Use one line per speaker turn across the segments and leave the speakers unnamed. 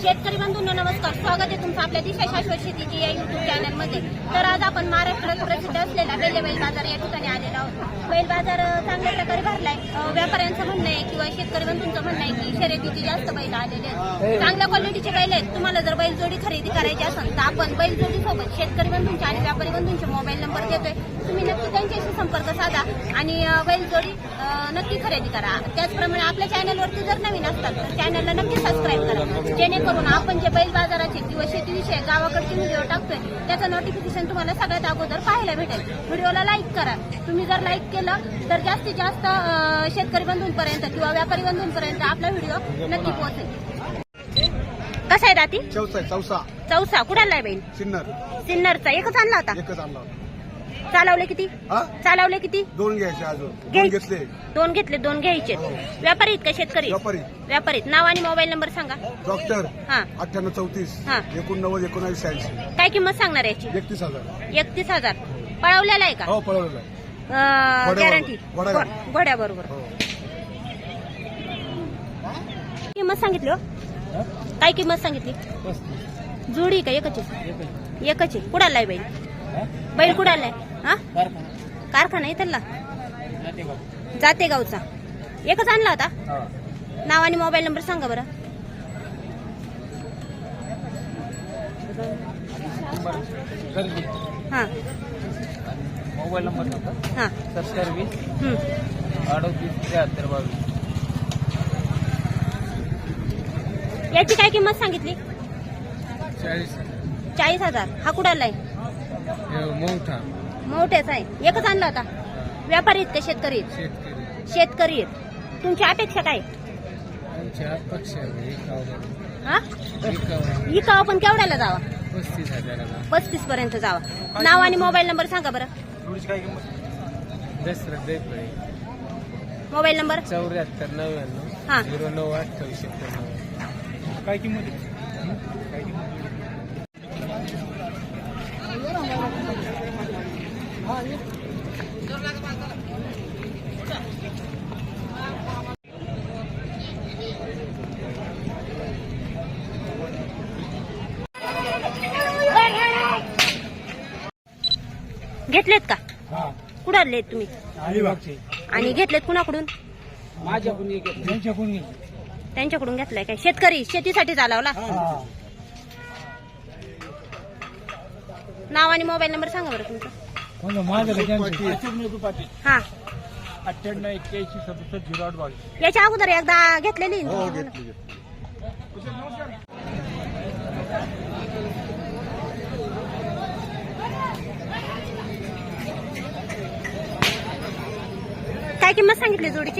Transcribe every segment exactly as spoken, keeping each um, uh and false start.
शेतकरी बंधूंनो नमस्कार, स्वागत आहे तुमचं आपल्या दिशा शाश्वत शेतीची या युट्यूब चॅनलमध्ये। तर आज आपण महाराष्ट्रात प्रसिद्ध असलेला बेले बैल बाजार या ठिकाणी आलेलो आहोत। बैल बाजार चांगल्या प्रकारे भरलाय। व्यापाऱ्यांचं म्हणणं आहे किंवा शेतकरी बंधूंचं म्हणणं आहे की शर्यतीची जास्त बैल आलेले आहेत, चांगल्या क्वालिटीचे बैल आहेत। तुम्हाला जर बैल जोडी खरेदी करायची असेल तर आपण बैल जोडी सोबत शेतकरी बंधूंचे आणि व्यापारी बंधूंचे मोबाईल नंबर देतोय, तुम्ही नक्की त्यांच्याशी संपर्क साधा आणि बैल जोडी नक्की खरेदी करा। त्याचप्रमाणे आपल्या चॅनलवरती जर नवीन असतात तर चॅनलला नक्की सबस्क्राईब करा, जेणेकरून आपण जे बैल बाजाराचे किंवा शेतीविषयी गावाकडचे व्हिडिओ टाकतोय त्याचं नोटिफिकेशन तुम्हाला सगळ्यात अगोदर पाहायला भेटेल। व्हिडिओला लाईक करा, तुम्ही जर लाईक केलं तर जास्तीत जास्त शेतकरी बंधूंपर्यंत किंवा व्यापारी बंधूंपर्यंत आपला व्हिडिओ नक्की पोहोचेल। कसा आहे दाती?
चौसा चौसा
चौसा कुडाला आहे बैल?
सिन्नर
सिन्नरचा एकच आणला होता?
एकच आणला होता।
चालवले किती?
हा
चालवले किती?
दोन घ्यायचे अजून दोन
घ्याय-
घेतले
दोन घेतले, दोन घ्यायचे। व्यापारी आहेत का शेतकरी?
व्यापारी
व्यापारीत। नाव आणि मोबाईल नंबर सांगा।
डॉक्टर
हा
अठ्ठ्याण्णव चौतीस
हा
एकोणनव्वद एकोणावीस शहाऐंशी
काय किंमत सांगणार याची?
एकतीस हजार
एकतीस हजार पळवलेला आहे का?
हो पळवलेला आहे।
गॅरंटी
घोड्या-
घोड्या बरोबर।
हो
किंमत सांगितली हो? काय किंमत सांगितली? जोडी का एकच आहे? एकच आहे। कुडाला आहे बैल? बैल कुडाला आहे? हा कारखाना इथला जाते गावचा एकच आणला होता? नाव आणि मोबाईल नंबर सांगा बरं। हा
मोबाईल नंबर
हा
सत्तर वीस
हम्म।
अडतीस त्र्याहत्तर बावीस।
याची काय किंमत सांगितली?
चाळीस
चाळीस हजार हा कुडाला आहे?
मोठा
मोठ्याचा आहे। एकच आणला होता? व्यापारी आहेत का शेतकरी आहेत?
शेतकरी
शेतकरी आहेत। तुमची अपेक्षा काय?
आमच्या अपेक्षा
हा इकाव पण केवढ्याला जावा?
पस्तीस हजाराला
पस्तीस पर्यंत जावा। नाव आणि मोबाईल नंबर सांगा बरं।
दसरा देपळे
मोबाईल नंबर
चौऱ्याहत्तर
हा
नव्याण्णव झिरो नऊ अठ्ठावीस एकोणनव्वद। काय किंमत काय किंमत?
घेतलेत का?
हा
कुडाले तुम्ही?
अलिबागचे
आणि घेतलेत कुणाकडून?
माझ्याकडून एक त्यांच्याकडून
त्यांच्याकडून घेतलाय काय? शेतकरी शेतीसाठी चालवला? नाव आणि मोबाईल नंबर सांगा बरं तुमचं।
माझ्याकडे
हा
अठ्ठ्याण्णव एक्क्याऐंशी सदुसष्ट झिरो आठ बावीस।
याच्या अगोदर एकदा घेतलेली ना?
हो घेतली
काय किंमत सांगितली जोडीची?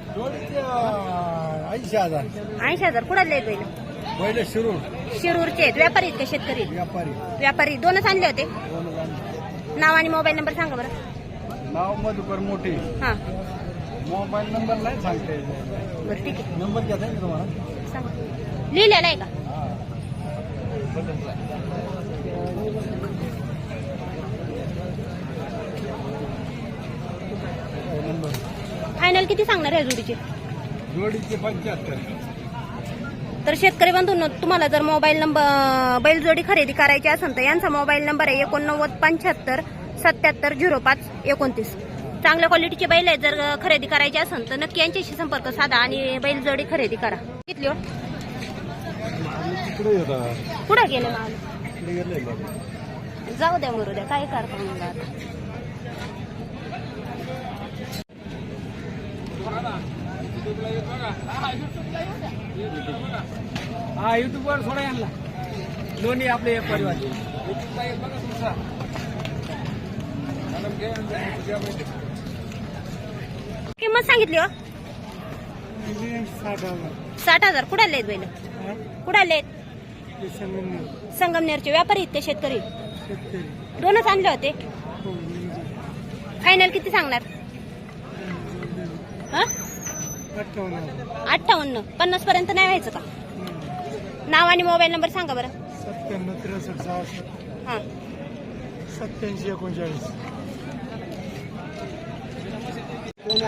ऐंशी हजार
ऐंशी हजार कुडाले आहेत बैल?
पहिले शिरूर
शिरूरचे आहेत। व्यापारी आहेत का शेतकरी?
व्यापारी
व्यापारी दोनच आणले होते। नाव आणि मोबाईल नंबर सांगा बरं।
नाव मधुकर मोठी
हा
मोबाईल नंबर नाही सांगते
बरं ठीक आहे
नंबर घ्या ना तुम्हाला
सांगा। लिहिलेला आहे का? फायनल किती सांगणार आहे जोडीचे?
जोडीचे पंच्याहत्तर।
तर शेतकरी बंधूंनो तुम्हाला जर मोबाईल नंबर बैल जोडी खरेदी करायची असेल तर यांचा मोबाईल नंबर आहे एकोणनव्वद पंच्याहत्तर सत्याहत्तर झिरो पाच एकोणतीस। चांगल्या क्वालिटीचे बैल आहेत, जर खरेदी करायची असेल तर नक्की यांच्याशी संपर्क साधा आणि बैल जोडी खरेदी करा। किती हो कुठं गेले माल? जाऊ द्या मरू द्या, काय करता मग आता?
हा युट्यूब वर थोडा आणला दोन्ही आपले एक परिवार।
किंमत सांगितली हो?
साठ हजार
साठ हजार कुडाले आहेत बैल? कुडाले आहेत? संगमनेरचे। व्यापारी आहेत ते शेतकरी? दोनच आणले होते। फायनल किती सांगणार? हा अठ्ठावन्न पन्नास पर्यंत नाही व्हायचं का? नाव आणि मोबाईल नंबर सांगा बरं।
सत्त्याण्णव त्रेसष्ट सहासष्ट
हा
सत्याऐंशी एकोणचाळीस।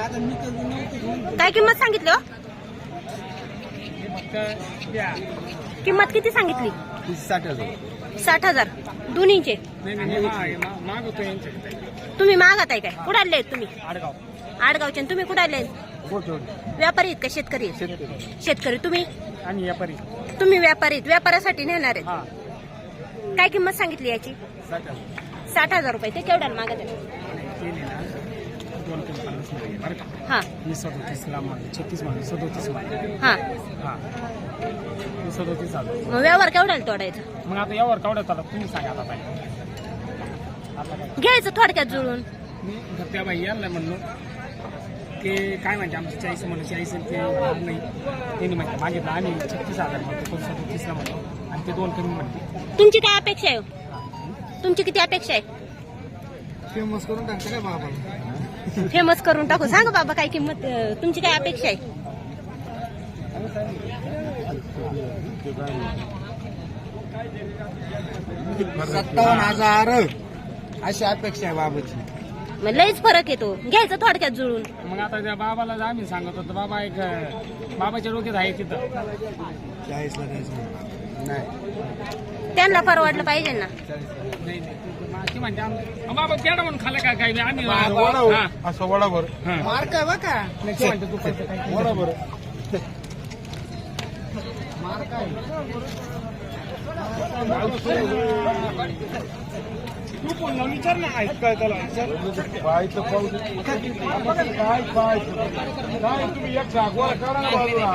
काय किंमत सांगितली हो?
काय
किंमत किती सांगितली?
साठ हजार
साठ हजार दोन्हीचे.
मागवतो यांच्याकडे.
तुम्ही मागत आहे काय? कुठे आले तुम्ही?
आडगाव.
आडगावचे. तुम्ही कुठे आले? व्यापारी आहेत का शेतकरी आहेत?
शेतकरी.
शेतकरी. तुम्ही?
आणि व्यापारी.
तुम्ही व्यापारी आहेत. व्यापारासाठी नेणार आहेत.
हा.
काय किंमत सांगितली याची?
साठ हजार.
साठ हजार रुपये. ते केवढ्याला मागत आहे?
केले ना दोन तीन पन्नास मध्ये बरं का.
हा
मी सदोतीसला मागले छत्तीस मागले सदोतीस मागले.
हा.
हा मी सदोतीस आलो.
मग व्यवहार केवढ्याला तोडायचा?
मग आता यावर कावड्यात आला तुम्ही सांगा आता काय. आता काय
घ्यायचं थोडक्यात जुळून.
मी तर त्या बाई यांना म्हणलो ते काय म्हणते आमची चाळीस म्हणलं चाळीस आणि ते नाही त्यांनी म्हणते मागितलं आम्ही छत्तीस हजार म्हणतो कोण सदोतीसला म्हणतो आणि ते दोन कमी म्हणते.
तुमची काय अपेक्षा आहे? तुमची किती अपेक्षा आहे?
फेमस करून टाकतं काय बाबा?
फेमस करून टाकू. सांगा बाबा काय किंमत अं, तुमची काय अपेक्षा आहे?
सत्तावन्न हजार अशी अपेक्षा आहे बाबाची.
मग लईच फरक येतो. घ्यायचं थोडक्यात जुळून.
मग आता त्या बाबाला जर आम्ही सांगत होतो बाबा एक बाबाच्या डोक्यात आहे तिथं
चाळीसला द्यायचं नाही.
त्यांना परवडलं पाहिजे ना.
नाही नाही ती म्हणते आम- बाबा पेडा म्हणून खाल्लं का काय आम्ही हा.
असं वडाभर
हा.
मार्क आहे बघा.
नाही, ती म्हणते तू पैसे काय
वडाभर
तू कोण लावून विचार ना ऐक काय त्याला विचार.
पाहायचं पाहू दे. काय पाहायचं काय तुम्ही एक जागवार करा ना बाजूला.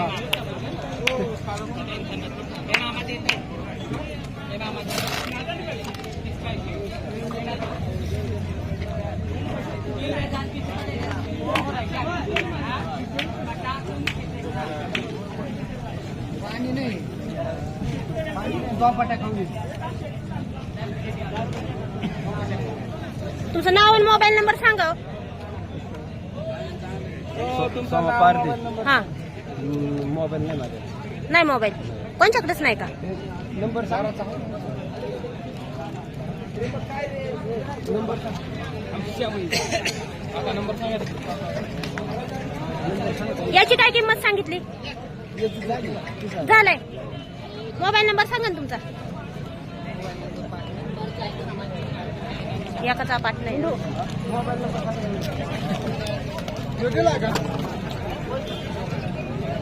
पाणी नाही पाणी खाऊ दे.
तुमचं नाव आणि मोबाईल नंबर सांगा. हा.
मोबाईल नाही माझ्या.
नाही मोबाईल कोणच्याकडेच नाही का?
नंबर सारा
याची काय किंमत सांगितली? झालंय. मोबाईल नंबर सांगा ना तुमचा. एकाचा पाठ नाही.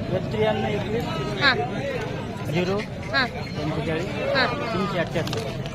त्र्याण्णव एकवीस
हा
झिरो
हा
पंचेचाळीस
हा.
तीनशे अठ्ठ्याहत्तर.